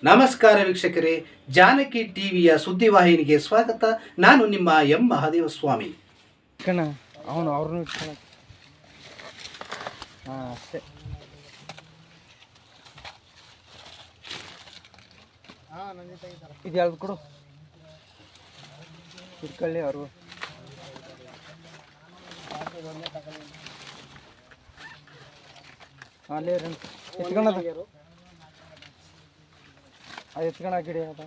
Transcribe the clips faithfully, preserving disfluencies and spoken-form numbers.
ನಮಸ್ಕಾರ ವೀಕ್ಷಕರೇ, ಜಾನಕಿ ಟಿವಿಯ ಸುದ್ದಿವಾಹಿನಿಗೆ ಸ್ವಾಗತ. ನಾನು ನಿಮ್ಮ ಎಂ ಮಹಾದೇವ ಸ್ವಾಮಿ. ಕಣ ಅವನು ಅವ್ರನ್ನೂ ಇಟ್ಕೊಳ ಹಾಂ ಅಷ್ಟೇ. ಇದು ಯಾವ್ದು ಕೊಡು ಇಟ್ಕೊಳ್ಳಿ ಅವರು. ಅಲ್ಲೇ ಎತ್ಕೊಳ್ಳೋದು ಅದು ಎತ್ಕೊಂಡು ಅದ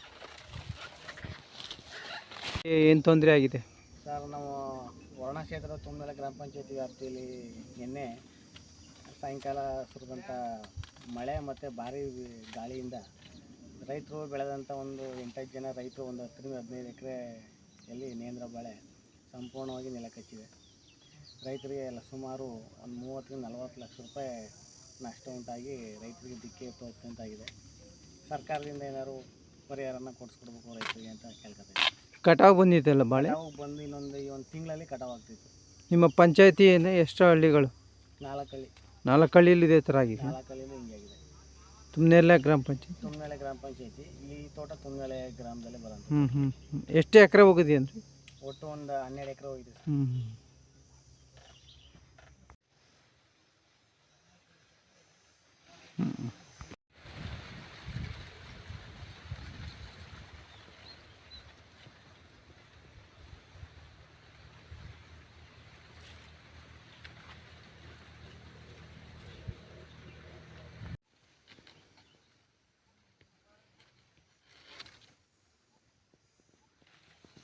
ಏನು ತೊಂದರೆ ಆಗಿದೆ ಸರ್? ನಾವು ವರ್ಣ ಕ್ಷೇತ್ರದ ತುಮ್ಮೇಲೆ ಗ್ರಾಮ ಪಂಚಾಯತಿ ವ್ಯಾಪ್ತಿಯಲ್ಲಿ ನಿನ್ನೆ ಸಾಯಂಕಾಲ ಸುರಿದಂಥ ಮಳೆ ಮತ್ತು ಭಾರಿ ಗಾಳಿಯಿಂದ ರೈತರು ಬೆಳೆದಂಥ ಒಂದು ಎಂಟತ್ತು ಜನ ರೈತರು ಒಂದು ಹತ್ತರಿಂದ ಹದಿನೈದು ಎಕರೆಯಲ್ಲಿ ನೇಂದ್ರ ಬಾಳೆ ಸಂಪೂರ್ಣವಾಗಿ ನೆಲಕಚ್ಚಿವೆ. ರೈತರಿಗೆ ಎಲ್ಲ ಸುಮಾರು ಒಂದು ಮೂವತ್ತರಿಂದ ನಲವತ್ತು ಲಕ್ಷ ರೂಪಾಯಿ ನಷ್ಟ ಉಂಟಾಗಿ ರೈತರಿಗೆ ದಿಕ್ಕೇ ತೋರ್ತಂತಾಗಿದೆ. ಸರ್ಕಾರದಿಂದ ಏನಾದ್ರು ಪರಿಹಾರನ ಕೊಡಿಸ್ಕೊಡ್ಬೇಕು ರೈತರಿಗೆ ಅಂತ ಕೇಳ್ಕೊತೀವಿ. ಕಟಾವು ಬಂದಿದ್ದಲ್ಲ ಬಾಳೆ? ಕಟಾವು ಬಂದು ಇನ್ನೊಂದು ಈ ಒಂದು ತಿಂಗಳಲ್ಲಿ ಕಟಾವು ಆಗ್ತಿತ್ತು. ನಿಮ್ಮ ಪಂಚಾಯತಿಯಿಂದ ಎಷ್ಟು ಹಳ್ಳಿಗಳು? ನಾಲ್ಕು ಹಳ್ಳಿ. ನಾಲ್ಕು ಹಳ್ಳಿಯಲ್ಲಿ ಇದೇ ಥರ ಆಗಿದೆ? ನಾಲ್ಕು ಹಳ್ಳಿಯಲ್ಲಿ ಹಿಂಗಾಗಿದೆ. ತುಮ್ನೇಲೆ ಗ್ರಾಮ ಪಂಚಾಯತಿ? ತುಮ್ನೇಲೆ ಗ್ರಾಮ ಪಂಚಾಯತಿ. ಈ ತೋಟ ತುಮ್ನೇಲೆ ಗ್ರಾಮದಲ್ಲಿ ಬರೋದು. ಹ್ಞೂ ಹ್ಞೂ ಎಷ್ಟು ಎಕರೆ ಹೋಗಿದೆ ಅಂದರೆ? ಒಟ್ಟು ಒಂದು ಹನ್ನೆರಡು ಎಕರೆ ಹೋಗಿದೆ. ಹ್ಞೂ ಹ್ಞೂ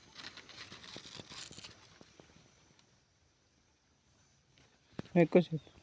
ఎక్కువ